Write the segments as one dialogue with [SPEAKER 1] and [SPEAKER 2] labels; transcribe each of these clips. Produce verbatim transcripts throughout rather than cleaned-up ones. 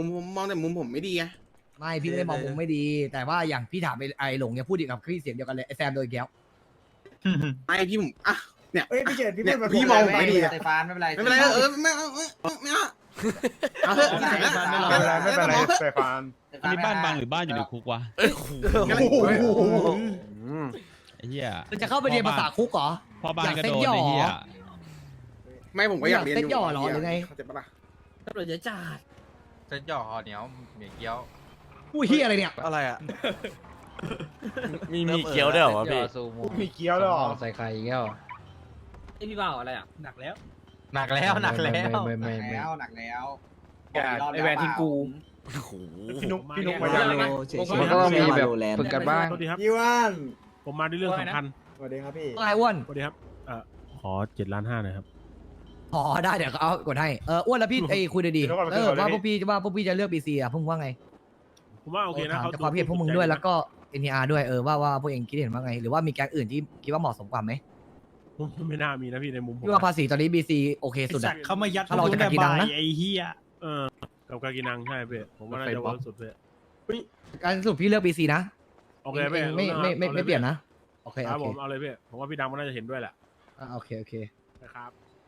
[SPEAKER 1] มุมผมมองแต่มุมผมไม่ดีไง
[SPEAKER 2] ไม่พี่ไม่ได้มองมุมไม่ดี แต่ว่าอย่างพี่ถามไอ้ไอ้หลงเนี่ยพูดอีกกับพี่เสียงเดียวกันเลยไอ้แซมโดยแก้ว
[SPEAKER 1] ไม่พี่ผมอ่ะเนี่ย
[SPEAKER 3] เอ้ยพี่เจดพี่
[SPEAKER 1] เนี่ย
[SPEAKER 3] พูด
[SPEAKER 1] พี่มองผมไม่ดี
[SPEAKER 4] สเตฟานไม่เป็นไร
[SPEAKER 1] ไม่เป็นไรเออไม่เอาไม่เอาไม่เอาเอาเถอะ
[SPEAKER 3] ไม่เป็นไรไม่เป็นไรสเตฟาน
[SPEAKER 5] อันนี้บ้านบางหรือบ้านอยู่ในคุกวะ
[SPEAKER 6] เอ้ยโห
[SPEAKER 3] โอ้โห
[SPEAKER 5] ไอ้เหี้ย
[SPEAKER 2] จะเข้าไปเรียนภาษาคุกเหรอ
[SPEAKER 5] พ่อบ้าน
[SPEAKER 2] อยาก
[SPEAKER 5] ก็
[SPEAKER 2] เซ็ต
[SPEAKER 5] โดน
[SPEAKER 2] หย่อ
[SPEAKER 5] ไอ้เหี้ย
[SPEAKER 1] ไม่ผมก็อยากเรียนอยู่
[SPEAKER 2] เซ็ตหย่อเหรอหรือไง
[SPEAKER 1] เข้าใจปะล่ะ
[SPEAKER 2] ตำรวจจะจ่า
[SPEAKER 7] เส้นหย่อเหนียวเหมียเกี๊ยว
[SPEAKER 2] อุ้ยเฮียอะไรเนี่ย
[SPEAKER 1] อะไรอ่ะ
[SPEAKER 6] มีมีเกี๊ยวด้วยเหรอวะพี่
[SPEAKER 3] มีเกี๊ยวด้วยเหรอ
[SPEAKER 8] ใส่ไข่อีกแล้ว
[SPEAKER 2] ไอ้พี่บ่าวอะไรอ่ะหนักแล้ว
[SPEAKER 7] หนักแล้วหนักแล้ว
[SPEAKER 8] ไม่
[SPEAKER 4] หนั
[SPEAKER 8] ไม่
[SPEAKER 4] ก
[SPEAKER 8] ไม่
[SPEAKER 4] แล้วหนักแล้ว
[SPEAKER 7] ไอแวนทิ้งกู
[SPEAKER 6] โอ้โห
[SPEAKER 3] พี่นุ๊กพี่นุ๊กมายัง
[SPEAKER 8] มันก็ต้องมีแบบฝึกกันบ้าง
[SPEAKER 9] สวัสดีครับ
[SPEAKER 3] พี่ว่าน
[SPEAKER 9] ผมมาด้วยเรื่องสำคัญ
[SPEAKER 3] สวัสดีครับพี่
[SPEAKER 2] ไอ้อ้วน
[SPEAKER 9] สวัสดีครับเอ่อขอเจ็ดล้านห้าหน่อยครับ
[SPEAKER 2] อ๋อได้เดี๋ยวเอากดให้เอออ้วนแล้วพี่ไอ้คุยดีๆเออว่าพวกพี่ว่าพวกพี่จะเลือกบีซีอ่ะพวกมึงว่าไง
[SPEAKER 9] ผมว่าโอเคนะ
[SPEAKER 2] ถาม
[SPEAKER 9] เขา
[SPEAKER 2] จากความคิดเห็นพวกมึงด้วยแล้วก็เอ็นทีอาร์ด้วยเออว่าว่าพวกเองคิดเห็นว่าไง หรือว่ามีแก๊งอื่นที่คิดว่าเหมาะสมกว่าไหม
[SPEAKER 9] ผมไม่น่ามีนะพี่ในมุมผม
[SPEAKER 2] พี่ว่าภาษีตอนนี้บีซีโอเคสุดอะ
[SPEAKER 9] เขามายัด
[SPEAKER 2] ถ้าเราจะกากีนังนะ
[SPEAKER 9] ไอ้เหี้ยเออกับกากินังใช่เพื่ผมว่าน่าจะเวิร์กสุดเพื่
[SPEAKER 2] การสรุปพี่เลือกบีซีนะ
[SPEAKER 9] โอเค
[SPEAKER 2] เองไม่ไม่ไม่ไม่เปลี่ยนนะโอเค
[SPEAKER 9] ค
[SPEAKER 2] โอ
[SPEAKER 9] รับ
[SPEAKER 2] เค
[SPEAKER 9] ผมเอาเลยพี่ผมว่าพี่ดำก็น่าจะเห็นด้วยแหละ
[SPEAKER 2] อ่าโอเคโอเค
[SPEAKER 9] นะครับ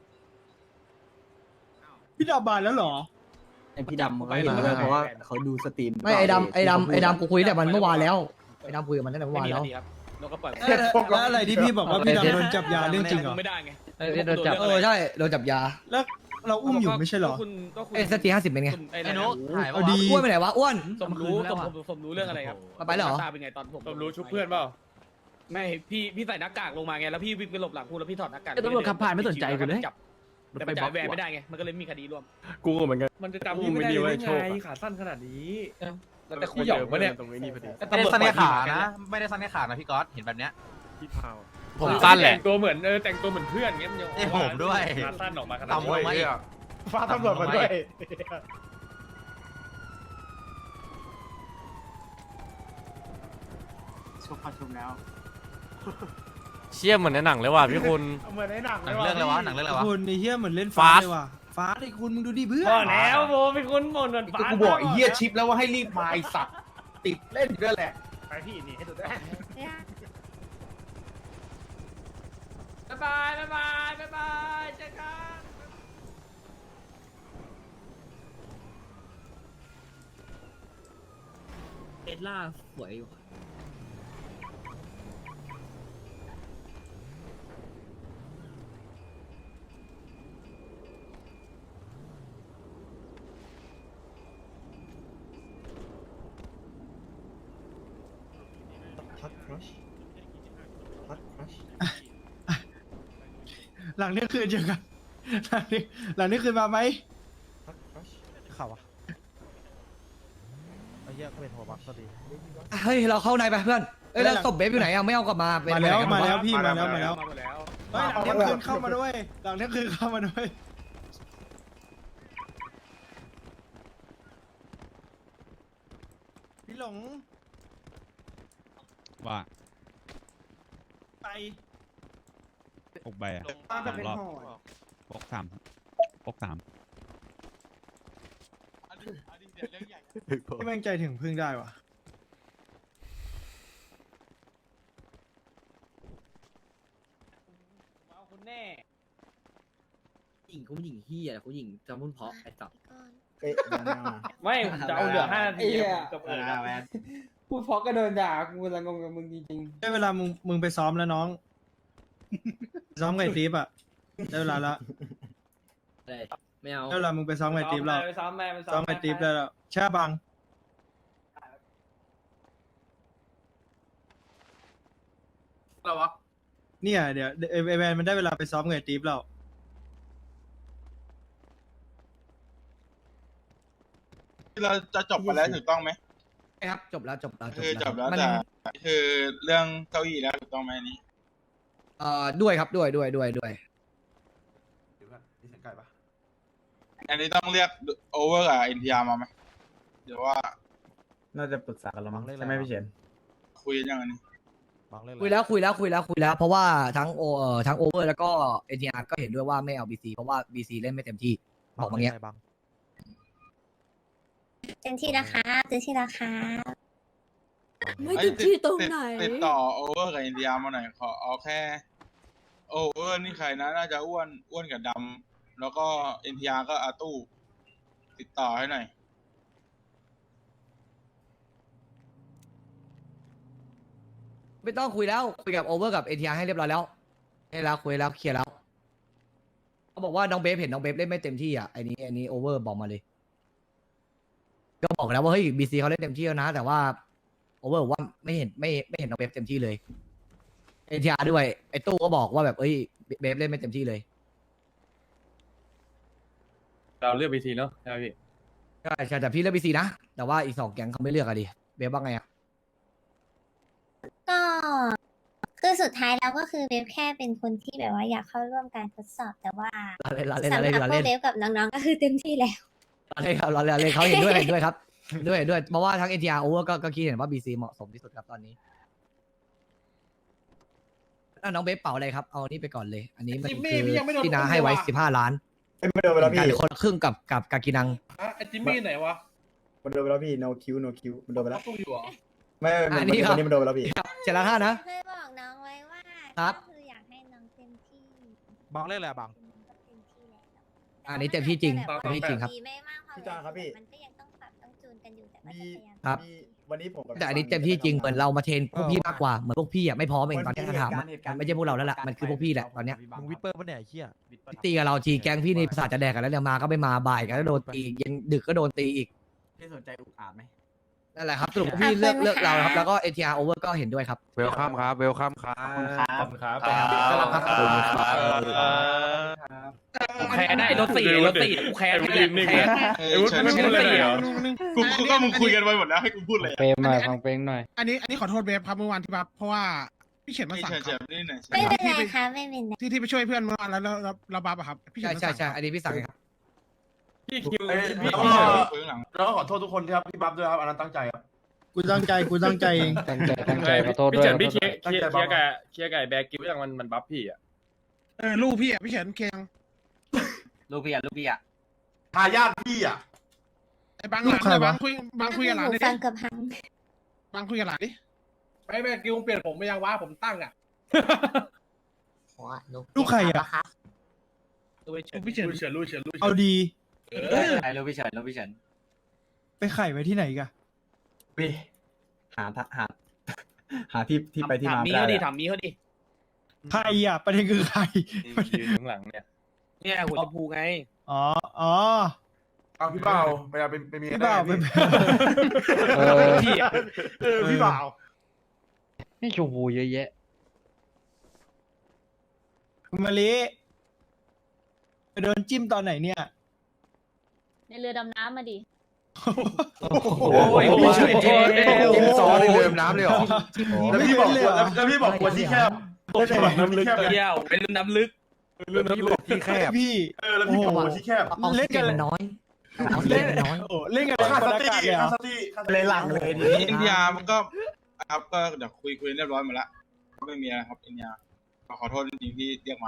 [SPEAKER 3] พี่ดำบานแล้วเหรอ
[SPEAKER 8] พี่ดำไปเลยเพราะว่าเขาดูสตรีม
[SPEAKER 2] ไม่ไอ้ดำไอ้ดำไอ้ดำกูคุยแต่มันเมื่อวานแล้วไอ้ดำคุยกับมันตั้งแต่เมื่อวานแล้ว
[SPEAKER 7] แล้วก็ปล่อย
[SPEAKER 3] แล้วอะไรที่พี่บอกว่าพี่ดำโดนจับยาเรื่องจริงเหรอ
[SPEAKER 7] ไม่ได้ไง
[SPEAKER 8] เออโดนจับ
[SPEAKER 2] เออใช่โดนจับยา
[SPEAKER 3] แล้วเราอุ้มอยู่ไม่ใช่เหรอ
[SPEAKER 7] คุณก็คุณ
[SPEAKER 2] เอ้สตีห้าสิบเป็นไง
[SPEAKER 7] ไอ้นุ๊กถ่าย
[SPEAKER 3] เอาดี
[SPEAKER 2] อ้วนไปไหนวะอ้วน
[SPEAKER 7] สมรู้สมสมรู้เรื่องอะไรครับ
[SPEAKER 2] มาไปแล้วเหรอ
[SPEAKER 7] ตาเป็นไงตอนผม
[SPEAKER 9] ผมรู้ชุบเพื่อนเปล่า
[SPEAKER 7] ไม่พี่พี่ใส่หน้ากากลงมาไงแล้วพี่วิ่งไปหลบหลังกูแล้วพี่ถอดหน้ากาก
[SPEAKER 8] ตำรวจขับผ่านไม่สนใจกูเลย
[SPEAKER 7] จับแต่มันจ่ายแหวนไม่ได้ไงมันก็เลยมีคดีร่วม
[SPEAKER 9] กูเหมือนกัน
[SPEAKER 7] มันจะจำ
[SPEAKER 9] กู
[SPEAKER 7] พี่
[SPEAKER 9] ไม่
[SPEAKER 7] ไม่ได้
[SPEAKER 9] ดี
[SPEAKER 7] เล
[SPEAKER 9] ไว้
[SPEAKER 7] ย
[SPEAKER 9] โชค
[SPEAKER 7] ไง
[SPEAKER 9] ขาสั้นขนาดนี้
[SPEAKER 7] แต่คู่หยอกวะเนี่ย
[SPEAKER 9] ตรงนี้พอดี
[SPEAKER 1] ไม่ได้ซันในขานะ ไม่ได้ซันในขานะพี่ก๊อตเห็นแบบเนี้ย
[SPEAKER 9] พี่พาว
[SPEAKER 6] ผมสั้นแหละ
[SPEAKER 7] แต่งตัวเหมือนเออแต่งตัวเหมือนเพื่อนเงี้ยมันยัง
[SPEAKER 1] เอ้ยผมด้วย
[SPEAKER 7] ขาสั้นออกมาขนาด
[SPEAKER 1] ต่ำลงมาอีก
[SPEAKER 9] ฟ้าตำรวจมาด้วย
[SPEAKER 4] ชุบพอชุบแล้ว
[SPEAKER 6] เชี่ยเหมือนในหนังเลยว่ะพี่คุณ
[SPEAKER 9] เหมือนในหนัง
[SPEAKER 1] หนังเรื่องอะไรวะ หนังเรื่องอะไรวะ
[SPEAKER 3] คุณไอ้เหี้ยเหมือนเล่นฟ้า
[SPEAKER 6] Fast
[SPEAKER 3] เลยว่ะฟ้าไอ้คุณมึงดูดิเพื่อน
[SPEAKER 7] พอแล้วโบเป็นคนหมดหมดฟ้า
[SPEAKER 2] กูบอกไอ้เหี้ยชิปแล้วว่าให้รีบมาไอ้สัตว์ติดเล่นอยู่ด้วยแหละ
[SPEAKER 9] ไปพี่นี่ให้ดูได้
[SPEAKER 7] บ๊ายบายบ๊ายบายบ๊ายบายเจอกัน
[SPEAKER 8] เอสล่าสวยอยู่
[SPEAKER 3] หลังเนี้ยคืนเจอกันหลังนี้หลังนี้คืนมาไหม
[SPEAKER 9] ข่าวะไอ้เหี้ยก็เป็นหัวบักก็ดี
[SPEAKER 2] เฮ้ยเราเข้าในไปเพื่อนเอ้ยแล้วศพเบฟอยู่ไหนอ่ะไม่เอากลับมาเป็น
[SPEAKER 3] มาแล้ว
[SPEAKER 2] ไปไหนกัน
[SPEAKER 3] มา
[SPEAKER 2] หด
[SPEAKER 3] แล้วพี่มาแล้วมาแล้ว
[SPEAKER 7] มาหมดแล้ว
[SPEAKER 3] เฮ้ยหลังเนี้ยคืนเข้ามาด้วยหลังเนี้ยคืนเข้ามาด้วยพี่หลง
[SPEAKER 5] ว่า
[SPEAKER 3] ไป
[SPEAKER 5] หกใบอะ
[SPEAKER 3] มาแบบเป็น
[SPEAKER 5] รอบ
[SPEAKER 3] ห่อ
[SPEAKER 5] ปกสามปกสาม
[SPEAKER 3] ที่แม่งใจถึงพึ่งได้ว่ะ
[SPEAKER 7] เอาคุณแน่
[SPEAKER 8] หญิงเขาหญิงเฮียเขาหญิงจำพุ่นเพาะไอ้สัตว์
[SPEAKER 7] ไม่ผมจะเอาเหลือห้านาทีกับเออ
[SPEAKER 4] แวน
[SPEAKER 7] พูดเพราะก็โดนด่ากูละงงกับมึงจริง
[SPEAKER 3] ได้เวลามึงมึงไปซ้อมแล้วน้อง ซ้อมไงตีฟอ่ะได้เวลาละ
[SPEAKER 8] อะไรไม่เอา
[SPEAKER 3] ได้เวลามึงไปซ้อม
[SPEAKER 7] ๆ
[SPEAKER 3] ไงตีฟแล้ว
[SPEAKER 7] ไปซ้อมแม่ไป
[SPEAKER 3] ซ้อมไงตีฟได้แล้วใช่บังอะไรวะเนี่ยเดี๋ยวไอไอแวนมันได้เวลาไปซ้อมไงตีฟแล้ว
[SPEAKER 10] เราจะจบไปแล้วถูกต้องไหม
[SPEAKER 2] ครับจบแล้วจบแล้ว
[SPEAKER 10] คือจบแล้ว
[SPEAKER 2] มัน
[SPEAKER 10] แต่คือเรื่องเก้าอี้แล้วถูกต้องไหมอันนี้
[SPEAKER 2] เอ่อด้วยครับด้วยด้วยด้วยด้วย
[SPEAKER 10] อันนี้ต้องเรียกโอเวอร์กับเอ็นทีอาร์มาไหมเดี๋ยวว่า
[SPEAKER 8] น่าจะปรึกษากันแล้วมั้งใช่ไหมพี่เฉิน
[SPEAKER 10] คุยกันยังไงนี่
[SPEAKER 2] คุยแล้วคุยแล้วคุยแล้วคุยแล้วเพราะว่าทั้งโอเอ่อทั้งโอเวอร์แล้วก็เอ็นทีอาร์ก็เห็นด้วยว่าไม่เอาบีซีเพราะว่าบีซีเล่นไม่เต็มที่บอกมาเงี้ย
[SPEAKER 11] เต็มที่นะคะเต็มที่นะคะ
[SPEAKER 10] ไม่ติดที่ตรงไหนติดต่อโอเวอร์กับเอ็นทีอาร์มาหน่อยขอเอาแค่โอเวอร์นี่ใครนะน่าจะอ้วนอ้วนกับดำแล้วก็เอ็นทีอาร์ก็อาตู้ติดต่อให้หน่อย
[SPEAKER 2] ไม่ต้องคุยแล้วคุยกับโอเวอร์กับเอ็นทีอาร์ให้เรียบร้อยแล้วให้แล้วคุยแล้วเคลียร์แล้วเขาบอกว่าน้องเบฟเห็นน้องเบฟเล่นไม่เต็มที่อ่ะไอ้นี้ไอ้นี้โอเวอร์บอกมาเลยก็บอกแล้วว่าเฮ้ยบีซีเขาเล่นเต็มที่แล้วนะแต่ว่าโอเวอร์บอกว่าไม่เห็นไม่ไม่เห็นน้องเบฟเต็มที่เลยเอ็นทีอาร์ด้วยไอ้ตู้ก็บอกว่าแบบเอ้ยเบฟเล่นไม่เต็มที่เลย
[SPEAKER 7] เราเลือกบีทีเนาะใช่ไหมพี่
[SPEAKER 2] ใช่ใช่แต่พี่เลือกบีซีนะแต่ว่าอีกสองแก๊งเขาไม่เลือกอะดิเบฟว่าไงอะ
[SPEAKER 11] ก็คือสุดท้ายแล้วก็คือเบฟแค่เป็นคนที่แบบว่าอยากเข้าร่วมการทดสอบแต่ว่า
[SPEAKER 2] เราเล่นเราเล่น
[SPEAKER 11] สำ
[SPEAKER 2] เรา
[SPEAKER 11] หรับ
[SPEAKER 2] เล่นเรา
[SPEAKER 11] พว
[SPEAKER 2] เล่
[SPEAKER 11] ก
[SPEAKER 2] น
[SPEAKER 11] เบฟกับน้องๆก็คือเต็มที่แล้ว
[SPEAKER 2] เราเล่นครับเราเล่นเราเล่นเขาเห็นด้วยเห็นด้วยครับด้วยเห็นด้วยเพราะว่าทั้งเอ็นทีอาร์โอเวอร์ก็ก็คิดเห็นว่าบีซีเหมาะสมที่สุดครับตอนนี้อ่ะน้องเบฟเป่าอะไรครับเอานี่ไปก่อนเลย อันนี้มันคือที่น้าให้ไว้สิบห้าล้าน
[SPEAKER 3] ไม่โดนไปแล้วพี่
[SPEAKER 2] การคนละครึ่งกับกับกากินัง
[SPEAKER 7] ไอจิมมี่ไหนวะ
[SPEAKER 3] มันโดนไปแล้วพี่ no Q no Q มันโดนไปแล้ว
[SPEAKER 7] ตู้อยู่เหรอ
[SPEAKER 3] ไม่
[SPEAKER 2] อันนี้ครับ
[SPEAKER 3] มันโดนไปแล้วพี่
[SPEAKER 2] เจ็ดล้านห้านะ
[SPEAKER 11] เคยบอกน้องไว้ว่า
[SPEAKER 2] ครับ
[SPEAKER 11] ก็คืออยากให้น้องเต็มที่
[SPEAKER 9] บังเล่นอะไรบัง
[SPEAKER 11] ก็เต็มที่แล้ว
[SPEAKER 2] อันนี้เต็มที่จริง
[SPEAKER 11] แต่ว่า
[SPEAKER 2] เต็มที่จริงครับ
[SPEAKER 11] ดีไม่มากพอ
[SPEAKER 3] พี่จางครับพี่
[SPEAKER 11] มันก็ยังต้องปรับต้องจูนกันอยู่แต่ก็
[SPEAKER 3] มี
[SPEAKER 11] จะพยายาม
[SPEAKER 2] ครับ
[SPEAKER 3] มีวันนี้ผมกับ
[SPEAKER 2] แต่อันนี้เต็มที่จริงเหมือนเรามาเทรนพวกพี่มากกว่าเหมือนพวกพี่อ่ะไม่พร้อมเองตอนนี้ถ้าถามอะมันไม่ใช่พวกเราแล้วล่ะมันคือพวกพี่แหละตอนเนี้ย
[SPEAKER 9] มึงวิปเปอร์ปะเนี่ยไอ้เหี้ย
[SPEAKER 2] ตีกับเราทีแก๊งพี่นี่ประสาทจะแดกกันแล้วเนี่ยมาก็ไม่มาบ่ายกันแล้วโดนตีเย็นดึกก็โดนตีอีก
[SPEAKER 8] พี่สนใจอุกอาบไหม
[SPEAKER 2] นั่นแหละครับสรุปว่าพี่เลือกเลือกเราครับแล้วก็ เอ ที อาร์ Over ก็เห็นด้วยครับ
[SPEAKER 9] เวลคัมครับเวลคัมครับ
[SPEAKER 4] ขอบคุณครับ
[SPEAKER 7] ครับ
[SPEAKER 2] ครับ
[SPEAKER 10] ครับ
[SPEAKER 2] ขอบคุณครับ
[SPEAKER 10] ครับ
[SPEAKER 7] แพ้ได้รถสี่รถสี่กูแพ้กูแพ้
[SPEAKER 10] เออเชิญเชิญเลยกูกูก็มึงคุยกันไปหมดแล้วให้กูพูดเลย
[SPEAKER 5] เพลงหน่อยฟังเพลงหน่อย
[SPEAKER 3] อันนี้อันนี้ขอโทษเบฟครับเมื่อวานที่บัฟเพราะว่าพี่เฉินมา
[SPEAKER 10] นี่
[SPEAKER 3] สั่ง
[SPEAKER 10] เชิญ
[SPEAKER 3] ค
[SPEAKER 10] เชิ
[SPEAKER 3] รับ
[SPEAKER 10] ญนี่หน่อย
[SPEAKER 11] ไม่เป็นไรค่ะไม่เป็นไร
[SPEAKER 3] ที่ที่ไปช่วยเพื่อนเมื่อวานแล้วแล้วแล้วเราบัฟอะครับพี่เฉิ
[SPEAKER 2] ใช่
[SPEAKER 3] นมา
[SPEAKER 2] ใช่
[SPEAKER 3] สั่ง
[SPEAKER 2] ใช่อันนี้พี่สั่งเองครับ
[SPEAKER 7] พี่คิว
[SPEAKER 10] พี่พี่คุยหลัง
[SPEAKER 12] แล้วก็ขอโทษทุกคนที่ครับที่บัฟด้วยครับอันนั้นตั้งใจครับ
[SPEAKER 3] กูตั้งใจกูตั้งใจเอง
[SPEAKER 5] ตั้งใจตั้งใจขอโทษ
[SPEAKER 7] พี่
[SPEAKER 5] ด้วย
[SPEAKER 7] เฉินพี่เคลียร์เคลียร์เคลียร์กับเคลียร์กับแบกิวยังมันมันบัฟพี่อ่ะ
[SPEAKER 3] เออลูกพี่อะพี่เฉินเคียง
[SPEAKER 4] ลูกพี่อ่ะลูกพี่อ่ะ
[SPEAKER 12] ทายาทพี่อ่ะ
[SPEAKER 3] ไอ้บางหลานเนี่ยบางคุยบางคุยกับหลาน
[SPEAKER 11] หู
[SPEAKER 3] ดิ
[SPEAKER 11] ฟังกับหัง
[SPEAKER 3] บางคุยกับหลานดิ
[SPEAKER 7] ไม่แบกิวเปลี่ยนผมไม่ยังว่าผมตั้งอ่ะ
[SPEAKER 3] ลูกใครอะ
[SPEAKER 7] ลูกพี่เฉินลูกเฉินลูกเฉินลูกเฉิน
[SPEAKER 3] เอาดี
[SPEAKER 4] ใช่ลูกพี่เฉินลูกพี่เฉิน
[SPEAKER 3] ไปไข่ไว้ที่ไหนกัน
[SPEAKER 4] หาหาหาที่ที่ไปที่มา
[SPEAKER 7] มีเขาดิถามมีเขาดิ
[SPEAKER 3] ใครอ่ะประเด็นคือใคร
[SPEAKER 7] ยืนข้างหลังเนี่ยเนี่ยหัวชมพูไง
[SPEAKER 3] อ๋ออ๋อ
[SPEAKER 12] เอาพี่เปาไปเอาเป็นเป็นเมีย
[SPEAKER 3] พี่บ่าวเป็น
[SPEAKER 5] เออ
[SPEAKER 7] พี่อ่ะ
[SPEAKER 12] เออพี่บ่าว
[SPEAKER 5] นี่ชมพูเยอะแยะ
[SPEAKER 3] คุณมาลิไปโดนจิ้มตอนไหนเนี่ย
[SPEAKER 11] ในเรือดำน้ำมาดิ
[SPEAKER 7] โอ้ยพี่เฉินเจ๊
[SPEAKER 1] จิ้มซอสในเรือน้ำเลยเหรอ
[SPEAKER 12] แล้วพี่บอกแล้วแล้วพี่บอกคนที่แคบแล้วพี่บอกน้ำลึกแคบ
[SPEAKER 7] เที่ยวเป็นน้ำลึก
[SPEAKER 1] เรือน้ำลึกที่แคบ
[SPEAKER 3] พี่
[SPEAKER 12] เออแล้วพี่บอกคนที่แคบ
[SPEAKER 3] เล่นกัน
[SPEAKER 2] น้อย
[SPEAKER 3] เล่นน้อยโอ้เล่นกัน
[SPEAKER 12] ค่า
[SPEAKER 3] บ
[SPEAKER 12] ส
[SPEAKER 3] รรยา
[SPEAKER 12] ติ
[SPEAKER 3] กาศเลยเหร
[SPEAKER 12] ค่า
[SPEAKER 3] อ
[SPEAKER 12] สติค่าสติ
[SPEAKER 4] เลยหลังเลยทีนี้
[SPEAKER 10] อินเดียมันก็ครับก็เดี๋ยวคุยคุยเรียบร้อยหมดละก็ไม่มีอะไรครับอินเดียขอโทษจริงๆที่เรียกมา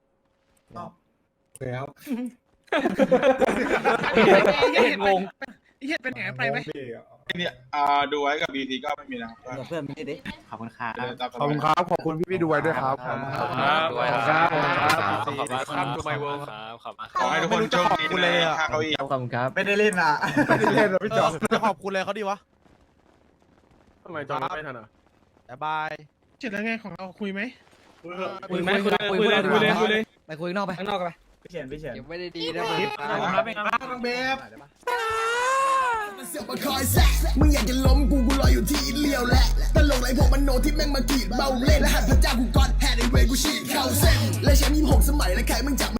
[SPEAKER 7] เห็นงง
[SPEAKER 3] ไอ้เหี้ยเป็นแหนไปไหม
[SPEAKER 10] เนี่ยอ่าดูไว้กับบีทีก็ไม่มีนะครับก็
[SPEAKER 4] เพื่อนไม่ได้ดิขอบคุณค่ะ
[SPEAKER 10] เดินตามส
[SPEAKER 1] ขอบคุณครับขอบคุณพี่พี่ดูไว้ด้วยครับ
[SPEAKER 6] ด้วยครับขอบคุณครับขอบคุณครับดูไมเวิร์ครับขอบคุณ
[SPEAKER 10] ขอให้ทุกคนโชคดีในค่าเก้าอี้
[SPEAKER 2] ขอบคุณครับ
[SPEAKER 4] ไม่ได้เล่นอ่ะ
[SPEAKER 1] ไม่ได้เล่นหรอพี่จอมจะขอบคุณเลยเขาดีวะ
[SPEAKER 9] ทำไมจอไม่ทันอ่ะ
[SPEAKER 1] บ๊ายบาย
[SPEAKER 3] เจ็ดแล้วไงของเราคุยไหม
[SPEAKER 7] คุยไหมคุยคุยเลยคุยเลยคุยเลย
[SPEAKER 2] ไปคุยข้างนอกไป
[SPEAKER 7] ข้างนอกกันไป
[SPEAKER 4] พี่เฉินพี่เฉิน
[SPEAKER 5] เก็บไว้ได้ดีนะ
[SPEAKER 3] น้องเบฟ
[SPEAKER 12] มึงอยากจะล้มกูกูรออยู่ที่เลี้ยวแหละตลกไรพวกมันโนที่แม่งมากีดเบาเล่นและหัดพระเจ้ากูก้อนแฮนด์ไอเวกูฉีดเข้าเส้นและแชมป์ยี่สิบหกสมัยและใครมึงจับ